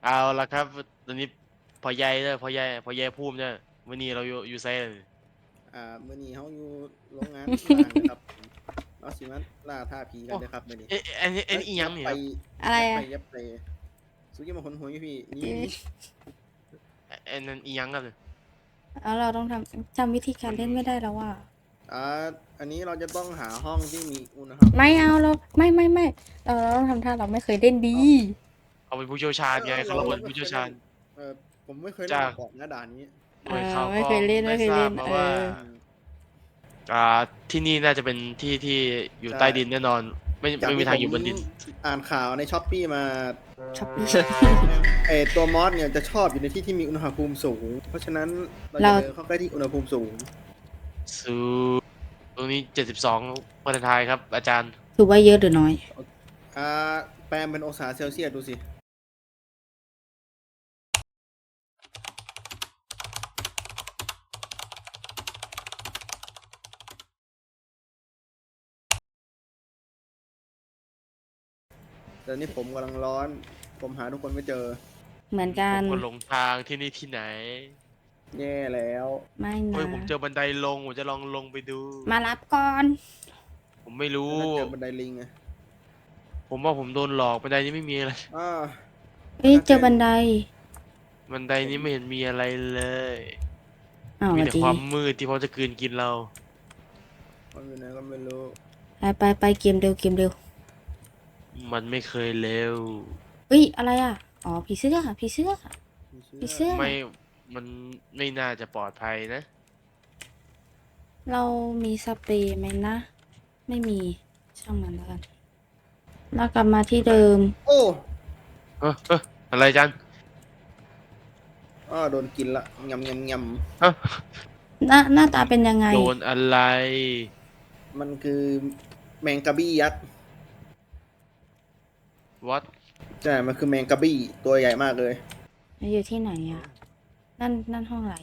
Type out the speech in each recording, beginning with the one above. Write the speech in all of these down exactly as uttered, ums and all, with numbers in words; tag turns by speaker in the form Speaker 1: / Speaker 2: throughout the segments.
Speaker 1: เอาละครับตอนนี้พอใหญ่เนี่ยพอใหญ่พอใหญ่พูมเนี่ยวันนี้เราอยู่อยู่ไซน์เลย
Speaker 2: อ่ามื้อนี้เฮาอยู่โรงงานร้างนะครับผมเราสิมาล่าท้าผีกั
Speaker 1: โอ้
Speaker 2: นเด้อครับมื้อนี้
Speaker 1: เอ๊ะอันนี้อัน
Speaker 2: เอ้ย
Speaker 1: นี้อีห
Speaker 2: อย่าไป
Speaker 1: ยังนี่ครับ
Speaker 3: อะไร
Speaker 2: อย่าไป
Speaker 3: อ่ะ
Speaker 2: อย่าไปสุกี้มาหนหัวอยู่พี่หนี่
Speaker 3: เอ๊ะ
Speaker 2: นี่
Speaker 1: อันอันนั้นอีหยังครับเนี่ย
Speaker 3: แล้วเราต้องทำจำวิธีการเล่นไม่ได้แล้วว่า
Speaker 2: อ่าอันนี้เราจะต้องหาห้องที่มีอุณหภู
Speaker 3: ไม่
Speaker 2: มิ
Speaker 3: เอาเราไม่ไม่ไม่เราเราต้องทำท่าเราไม่เคยเล่นดี
Speaker 2: อ้าว
Speaker 1: เขาเป็นผู้เชี่ยวชา
Speaker 2: เอ
Speaker 1: ญไงเขา
Speaker 2: อเออเราเรา
Speaker 1: เป็นผู้เชี่ยวชาญ
Speaker 2: ไม่เคยเล่นเออผมไม่เคยเล่น
Speaker 1: จาก
Speaker 2: มาก่อนนะด่านนี้
Speaker 3: เออ
Speaker 1: หน่วยข่าว
Speaker 3: ไม่
Speaker 1: กรอง
Speaker 3: เคยเล่น
Speaker 1: ได้
Speaker 3: ไม่เคย
Speaker 1: ทรา
Speaker 3: เล่นเอ
Speaker 1: บมาว่า
Speaker 3: อ
Speaker 2: อืม
Speaker 1: อ่าที่นี่น่าจะเป็นที่ที่อยู่
Speaker 2: ใช่
Speaker 1: ใต้ดินแน่นอนไม่
Speaker 2: จาก
Speaker 1: ไม่มี
Speaker 2: ที่ผม
Speaker 1: ทางอยู่บนดิน
Speaker 2: อ่านข่าวใน Shopee มา
Speaker 3: ช้อปปี้
Speaker 2: ไอตัวมอสเนี่ยจะชอบอยู่ในที่ที่มีอุณหภูมิสูง เพราะฉะนั้นเราจะ
Speaker 3: เรา
Speaker 2: เดินเข้าใกล้ที่อุณหภูมิสูง
Speaker 1: สูตรงนี้เจ็ดสิบสองฟาเรนไฮต์ครับอาจารย์
Speaker 3: ถือว่าเยอะหรือน้อย
Speaker 2: อ่าแปลงเป็นองศาเซลเซียสดูสิแต่นี่ผมกำลังร้อน ผมหาทุกคนไม่เจอ
Speaker 3: เหมือนกั
Speaker 1: ผ
Speaker 3: น
Speaker 1: มก็หลงทางที่นี่ที่ไหน
Speaker 2: แย่แล้ว
Speaker 3: ไม่
Speaker 1: เฮ้ย
Speaker 3: นะ
Speaker 1: ผมเจอบันไดลงผมจะลองลงไปดู
Speaker 3: มารับก่อน
Speaker 1: ผมไม่รู้
Speaker 2: แล้วถ้าเจอบันไดลิงไง
Speaker 1: ผมว่าผมโดนหลอกบันไดนี้ไม่มีอะไร
Speaker 2: อ่า
Speaker 3: เอ้ยเจอบันได
Speaker 1: บันไดนี้ไม่เห็นมีอะไรเลย
Speaker 3: อ้าว
Speaker 1: มี
Speaker 3: สวัส
Speaker 1: แต่
Speaker 3: ดี
Speaker 1: ความมืดที่พร้อมจะกลืนกินเรา
Speaker 2: มันอยู่ไหนก็ไม่รู้
Speaker 3: ไปไปไปเกมเร็วเกมเร็ว
Speaker 1: มันไม่เคยเร็ว
Speaker 3: เอ้ยอะไรอ่ะอ๋อผีเสื้อผีเสื้อ
Speaker 2: ไม่เชื่
Speaker 3: ผี
Speaker 2: อ
Speaker 3: เสื้อ
Speaker 1: ไม่ มันไม่น่าจะปลอดภัยนะ
Speaker 3: เรามีสเปรย์ไหมนะ ไม่มีช่างมันแล้วกันเรากลับมาที่เดิม
Speaker 2: โอ้
Speaker 1: เออเอออะไรจัน
Speaker 2: อ่าโดนกินละยำยำย
Speaker 1: เอ้า
Speaker 3: หน้าหน้าตาเป็นยังไง
Speaker 1: โดนอะไร
Speaker 2: ำมันคือแมงกะบี้ยักษ์
Speaker 1: วัด
Speaker 2: ใช่ มันคือแมงกะบี้ตัวใหญ่มากเลย
Speaker 3: อยู่ที่ไหนอ่ะ นั่นนั่นห้องอะไร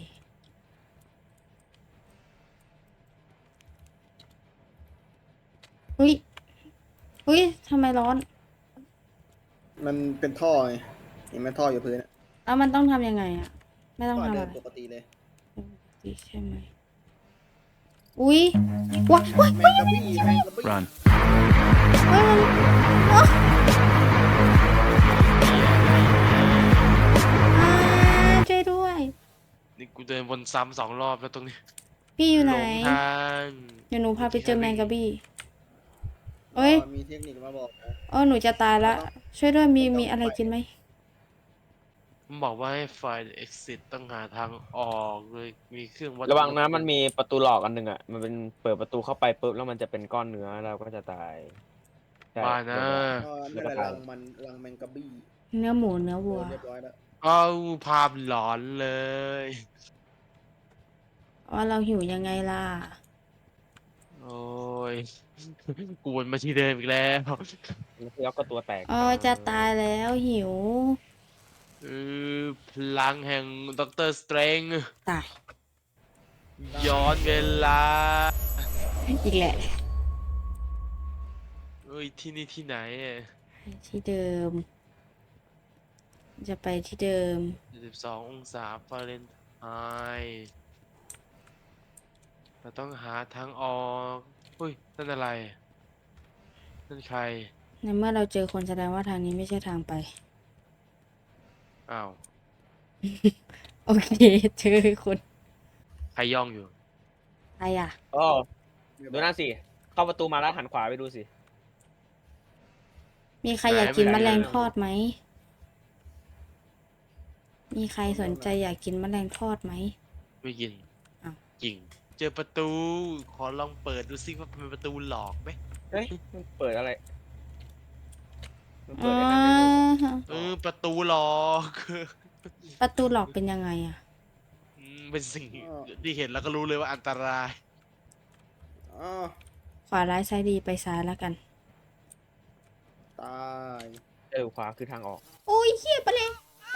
Speaker 3: อุ้ยอุ้ยทำไมร้อน
Speaker 2: มันเป็นท่อไงเห็นไหมท่ออยู่พื้นอะ
Speaker 3: แล้วมันต้องทำยังไงอ่ะ ไม่ต้อง
Speaker 2: ก็
Speaker 3: ทำ
Speaker 2: เดิ
Speaker 3: อะ
Speaker 2: น
Speaker 3: ไร
Speaker 2: ปกติเลย
Speaker 3: ดีใช่ไหมอุ้ยว้ายว้าย
Speaker 2: แมงกะบี้แมงกะบี้
Speaker 4: Run.
Speaker 3: เฮ้ยมันอ๊ะอ่าช่วยด้วย
Speaker 1: นี่กูเดินวนซ้ำสองรอบแล้วตรงนี้
Speaker 3: พี่อยู่
Speaker 1: ห
Speaker 3: ไห
Speaker 1: ล
Speaker 3: น
Speaker 1: งทาง
Speaker 3: เดี๋ยวหนูพาไปเจอแมงกะบี้
Speaker 2: อ๋อ
Speaker 3: เอ้ย
Speaker 2: มีเทคนิคมาบอกนะ
Speaker 3: อ๋อหนูจะตายละ ช่วยด้วยมีมีอะไรกินไหม
Speaker 1: มันบอกว่าให้ไฟล์ exit ต้องหาทางออกเลยมีเครื่องวัด
Speaker 4: ระวังนะมันมีประตูหลอกอันหนึ่งอ่ะ มันเป็นเปิดประตูเข้าไปปุ๊บแล้วมันจะเป็นก้อนเนื้อเราก็จะตายใช่
Speaker 1: บ้านะ
Speaker 2: อ๋อนั่นแหละรังมันรังแมงกะบี้
Speaker 3: เนื้อหมูเนื้อ
Speaker 2: เดิ
Speaker 3: วัว
Speaker 2: นเรียบร้อยแล้ว
Speaker 1: เอาภาพหลอนเลย
Speaker 3: ว่าเราหิวยังไงล่ะ
Speaker 1: โอ้ย กวนมาที่เดิมอีกแล้ว
Speaker 4: แล้วก็ตัวแตก
Speaker 3: อ๋อจะตายแล้วหิว
Speaker 1: เออพลังแห่งด็อกเตอร์สเตรง
Speaker 3: ตาย
Speaker 1: ย้อนเวลา
Speaker 3: อีกแหละ
Speaker 1: เอ้ยที่นี่ที่ไหนอะ
Speaker 3: ที่เดิม จะไปที่เดิม
Speaker 1: สิบสององศาฟาเรนไฮต์เราต้องหาทางออกเฮ้ยนั่นอะไร นั่นใคร
Speaker 3: ในเมื่อเราเจอคนแสดงว่าทางนี้ไม่ใช่ทางไป
Speaker 1: อ้าว
Speaker 3: โอเค เจอคน
Speaker 1: ใครย่องอยู่
Speaker 3: ใครอ่ะ
Speaker 4: โอ้ดูนั่นสิ เข้าประตูมาแล้วหันขวาไปดูสิ
Speaker 3: มีใคร
Speaker 1: ไหน
Speaker 3: อยากกิน
Speaker 1: ไม่
Speaker 3: แม
Speaker 1: ไหน
Speaker 3: ลง
Speaker 1: เลย
Speaker 3: ทอดไหม มีใครสนใจอยากกินแมลงทอดไหม
Speaker 1: ไม่กิน
Speaker 3: อ้าว
Speaker 1: จริง เจอประตู ขอลองเปิดดูซิว่าเป็นประตูหลอกไหม
Speaker 4: เฮ้ยมันเปิดอะไร มันเปิ
Speaker 3: อ่
Speaker 4: ดไอ้นั่นได้ด้วยเหรอ
Speaker 3: า
Speaker 1: เออประตูหลอก
Speaker 3: ประตูหลอกเป็นยังไงอ่ะ
Speaker 1: อืมเป็นสิ่งที่เห็นแล้วก็รู้เลยว่าอันตราย
Speaker 2: อ๋อ
Speaker 3: ขวาร้ายซ้ายดีไปซ้ายแล้วกัน
Speaker 2: ตาย
Speaker 4: เออขวาคือทางออก
Speaker 3: โอ้ยเฮียไปเลย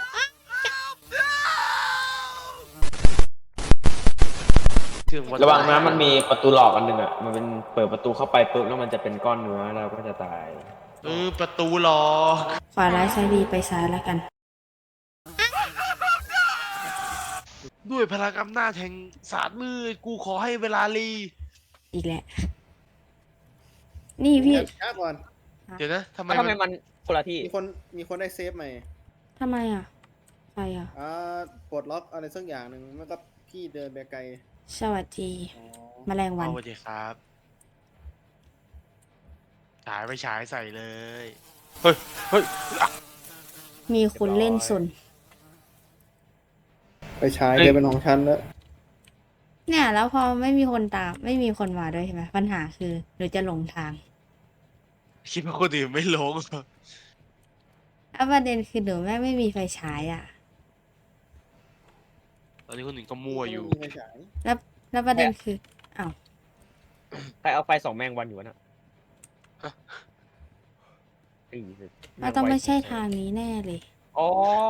Speaker 1: เครื่องวัด
Speaker 4: ระวังนะมันมีประตูหลอกอันหนึ่งอ่ะ มันเป็นเปิดประตูเข้าไปปุ๊บแล้วมันจะเป็นก้อนเนื้อเราก็จะตาย
Speaker 1: เออประตูหลอก
Speaker 3: ขวาร้ายซ้ายดีไปซ้ายแล้วกัน
Speaker 1: ด้วยพลังอำนาจแห่งศาสตร์มืดกูขอให้เวลาลี
Speaker 3: อีกแหละ นี่พี่
Speaker 2: ช้าก่อน
Speaker 1: เดี๋ยวนะทำไม
Speaker 4: แล้วทำไม
Speaker 1: มัน
Speaker 4: มันคนละที่
Speaker 2: มีคนมีคนได้เซฟใหม่
Speaker 3: ทำไมอ่ะใครอ่ะ
Speaker 2: อ่าปลดล็อกอะไรสักอย่างหนึ่งแล้วก็พี่เดินไปไกล
Speaker 3: สวัสดี
Speaker 2: อ๋อ
Speaker 3: แมลงวัน
Speaker 1: เอาไปดีครับฉายไปฉายใส่เลย เฮ้ย เฮ้ย
Speaker 3: มีคนเล่นสน
Speaker 2: ไปใช้เดินเป็นของฉันแล้ว
Speaker 3: เนี่ย แล้วพอไม่มีคนตาม ไม่มีคนมาด้วยใช่ไหมปัญหาคือหนูจะหลงทาง
Speaker 1: คิดว่าคนอื่นไม่ลง
Speaker 3: แล้วประเด็นคือหนูแม่งไม่มีไฟฉายอ่ะ
Speaker 1: ตอนนี้คนอื่นก็มั่วอยู่
Speaker 2: ไม่มีไฟฉาย
Speaker 3: แล้วแล้วประเด็นคืออ้าว
Speaker 4: ใครเอาไฟสองแมงวันอยู่วะน่ะ
Speaker 1: ฮะ
Speaker 4: ไอ้สิ
Speaker 3: มันต้องไม่ใช่
Speaker 4: แงวัน
Speaker 3: ทางนี้แน่เลย
Speaker 4: อ๋อ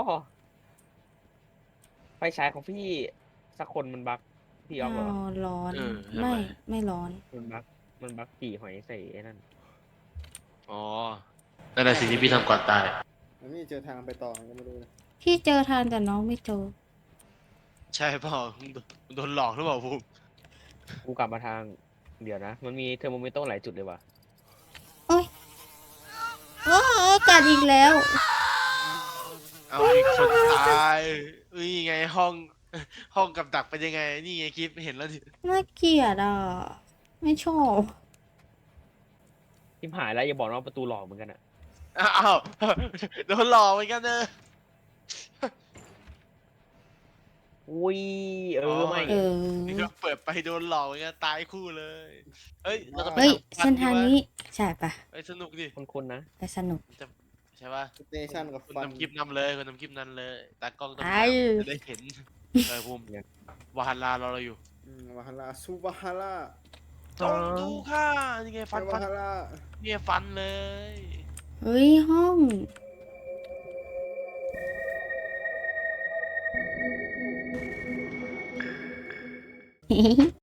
Speaker 4: ไฟฉายของพี่สักคนมันบั๊กพี่ออฟเหรอ
Speaker 3: อ้าวร้อน
Speaker 1: เออทำไม
Speaker 3: ไม่ไม่ร้อน
Speaker 4: มันบั๊กมันบั๊กกี่หอยใส่ไอ้นั่น
Speaker 1: อ๋อ นั่นแหละสิ่งที่พี่ทำก่อนตาย
Speaker 2: มันไม่เจอทางไปต่อก็ไม่รู้นะ
Speaker 3: พี่เจอทางแต่น้องไม่เจอ
Speaker 1: ใช่เปล่ามึงโดนมึงโดนหลอกหรือเปล่าภูมิ
Speaker 4: กูกลับมาทางเดี๋ยวนะ มันมีเทอร์โมมิเตอร์หลายจุดเลยว่ะ
Speaker 3: โอ้ยโอ้ยกัดอีกแล้ว
Speaker 1: เอาอีกคนตายอุ้ยไงห้อง ห้องกับดักเป็นยังไง นี่ไงคลิปเห็นแล้วดิ
Speaker 3: น่าเกลียดอ่ะ ไม่ชอบ
Speaker 4: ทิมหายแล้วอย่าบอกนะว่าประตูหลอกเหมือนกันอะ
Speaker 1: อ้าว โดนหลอกเหมือนกันเนอะ
Speaker 4: อุ้ยเออไม่
Speaker 3: เออ
Speaker 1: นี่ก็เปิดไปโดนหลอกเหมือนกันตายคู่เลย เฮ้ย เราจะไป
Speaker 3: เฮ้ย
Speaker 1: ทำฟั
Speaker 3: เส้นทางนี้
Speaker 1: ดีว
Speaker 3: ใช่ปะ
Speaker 1: ะเฮ้ยสนุกดิ
Speaker 4: คนๆนะ
Speaker 3: ไปสนุก
Speaker 1: จะใช่ป่ะ
Speaker 2: สเตชันกับ
Speaker 1: คุณ
Speaker 2: ฟัน
Speaker 1: นำคลิปนำเลยคุณนำคลิปนั้นเลยตากล้องต้อง
Speaker 3: ไอ้
Speaker 1: จะได้เห็นเออภูมิวาฮันลาเราเราอยู่
Speaker 2: อืมวาฮาร่าซูบาฮาร่า
Speaker 1: จงดูค่ะนี่ไงฟัน
Speaker 2: วา
Speaker 1: ฟัน
Speaker 2: ฮาร่า
Speaker 1: เนี่ยฟันเลย
Speaker 3: เฮ้ย ห้อง